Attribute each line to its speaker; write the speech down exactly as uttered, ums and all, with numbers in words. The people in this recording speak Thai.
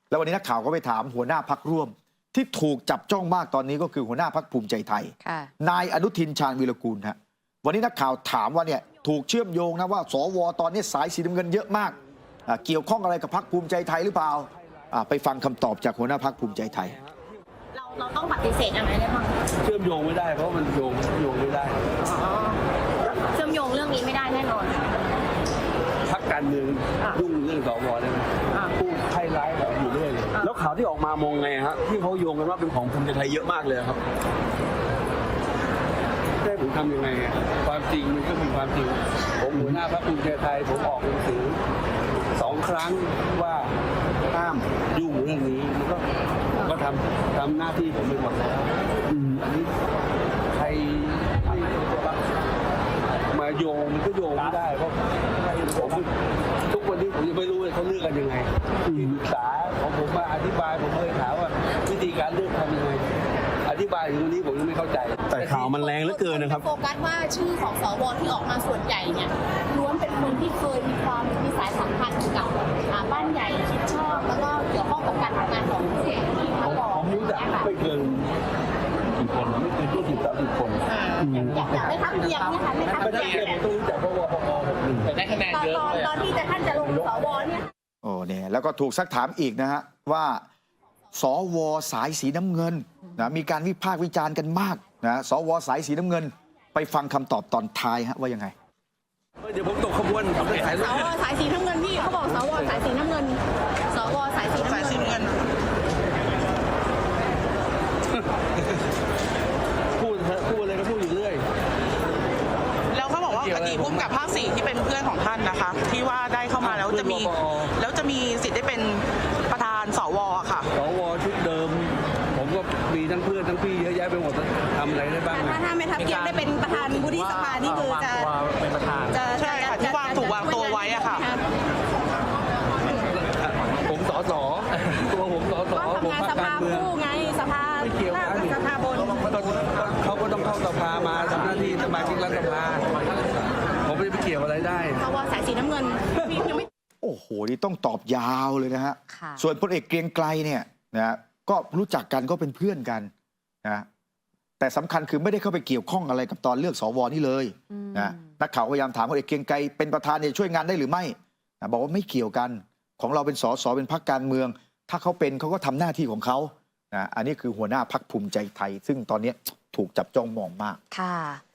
Speaker 1: แล้ววันนี้นักข่าวก็ไปถามหัวหน้าพรรคร่วม ที่ถูกจับจ้องมากตอนนี้ก็คือหัวหน้าพรรคภูมิใจไทยนายอนุทินชาญวีรกูลฮะวันนี้นักข่าวถามว่าเนี่ยถูกเชื่อมโยงนะว่าสวตอนนี้สายสีน้ำเงินเยอะมากเกี่ยวข้องอะไรกับพรรคภูมิใจไทยหรือเปล่าไปฟังคำตอบจากหัวหน้าพรรคภูมิใจไทย
Speaker 2: เราเราต้องปฏิเสธอะไรได้บ้าง
Speaker 3: เชื่อมโยงไม่ได้เพราะมันโยงโยงไม่ได้
Speaker 2: เชื่อมโยงเรื่องนี้ไม่ได้แน่นอน
Speaker 3: พรรคการเมืองยุ่งเรื่องสวได้ไหมพูดใครร้ายแบบอยู่เรื่อยแล้วข่าวที่ออกมามองไงฮะที่เขาโยงกันว่าเป็นของภูมิใจไทยเยอะมากเลยครับได้ผมทำยังไงความจริงมันก็เป็นความจริงผมหัวหน้าพรรคภูมิใจไทยผมออกหนังสือสองครั้งว่าห้ามยุ่งเรื่องนี้มันก็ก็ทำทำหน้าที่ผมไปหมดแล้วอันนี้ใครมาโยงมันก็โยงไม่ได้เพราะผมทุกวันนี้ผมยังไม่รู้เลยเขาเลือกกันยังไงที่ปรึกษาของผมมาอธิบายผมเลยถามว่าวิธีการเลือกทำยังไงอธิบายถึงวันนี้ผมยังไม่เข้าใจแต่ข่าวมันแรงเหลือเกินนะครับ
Speaker 2: โฟกัสว่าชื่อของสวที่ออกมาส่วนใหญ่เนี่ยล้วนเป็นคนที่เคยมีความมีสายสัมพันธ์กับบ้านใหญ่ชิดชอบแล้วก็เกี่ยวข้องกับการทำงานของเสียงที่มาบอก
Speaker 3: ผมรู้จักไม่เกินกี่คนไม่เกินยี่สิบสามสิบคน
Speaker 2: อยากได้ทักเทียมเนี่ยค่ะไม่ทัก
Speaker 3: เทียมผมต้องรู้จักเพราะว่าพอผมหนึ่ง
Speaker 2: แต่ได้คะแนนเยอะตอนตอนที่จะท่านจะลงสวเนี่ย
Speaker 1: โอ้เนี่ยแล้วก็ถูกซักถามอีกนะฮะว่าสวสายสีน้ำเงินนะมีการวิพากษ์วิจารณ์กันมากนะสวสายสีน้ำเงินไปฟังคำตอบตอนท้ายฮะว่ายังไง
Speaker 3: เดี๋ยวผมตกขบวนผม
Speaker 2: สวสายสีน้ำเงินพี่เขาบอกสวสายสีน้ำเงินสวสายสีน้ำเงิน
Speaker 3: พูดพูดอะไรก็พูดอยู่เรื่อย
Speaker 4: แล้วเขาบอกว่าอดีตผู้กำกับภาคสี่ที่เป็นเพื่อนของท่านนะคะที่ว่าได้เข้ามาแล้วจะมีแล้วจะมีสิทธิ์ได้เป็นประธานสวค่ะ
Speaker 3: สวชุดเดิมผมก็มีทั้งเพื่อนทั้งพี่เยอะแยะไปหมดทำอะไรได้บ้าง
Speaker 2: ถ้าถ้าไม่ทับเทียมได้เป็นประธานวุฒิสภานี่คือจะ
Speaker 4: เป็นประธานใช่ค่ะที่วางถูกวางตัวไว้อะค่ะ
Speaker 3: ผมสสตัวผมสสผมพรรคการเมือง
Speaker 2: ไงสภา
Speaker 3: ไม่เกี่ยวกัน
Speaker 2: สภาบน
Speaker 3: เขาก็ต้องเข้าสภามาทำหน้าที่สมาชิกรัฐสภาผมไม่ไปเกี่ยวอะไรได้
Speaker 2: สวสายสีน้ำเงินยังไม่
Speaker 1: โอ้โหนี่ต้องตอบยาวเลยนะฮะส่วนพลเอกเกรียงไกรเนี่ยนะก็รู้จักกันก็เป็นเพื่อนกันนะแต่สำคัญคือไม่ได้เข้าไปเกี่ยวข้องอะไรกับตอนเลือกสวนี่เลยนะนักข่าวพยายามถามพลเอกเกรียงไกรเป็นประธานเนี่ยช่วยงานได้หรือไม่นะบอกว่าไม่เกี่ยวกันของเราเป็นสสเป็นพรรคการเมืองถ้าเขาเป็นเขาก็ทำหน้าที่ของเขานะอันนี้คือหัวหน้าพรรคภูมิใจไทยซึ่งตอนนี้ถูกจับจ้องมองมาก
Speaker 5: ค่ะ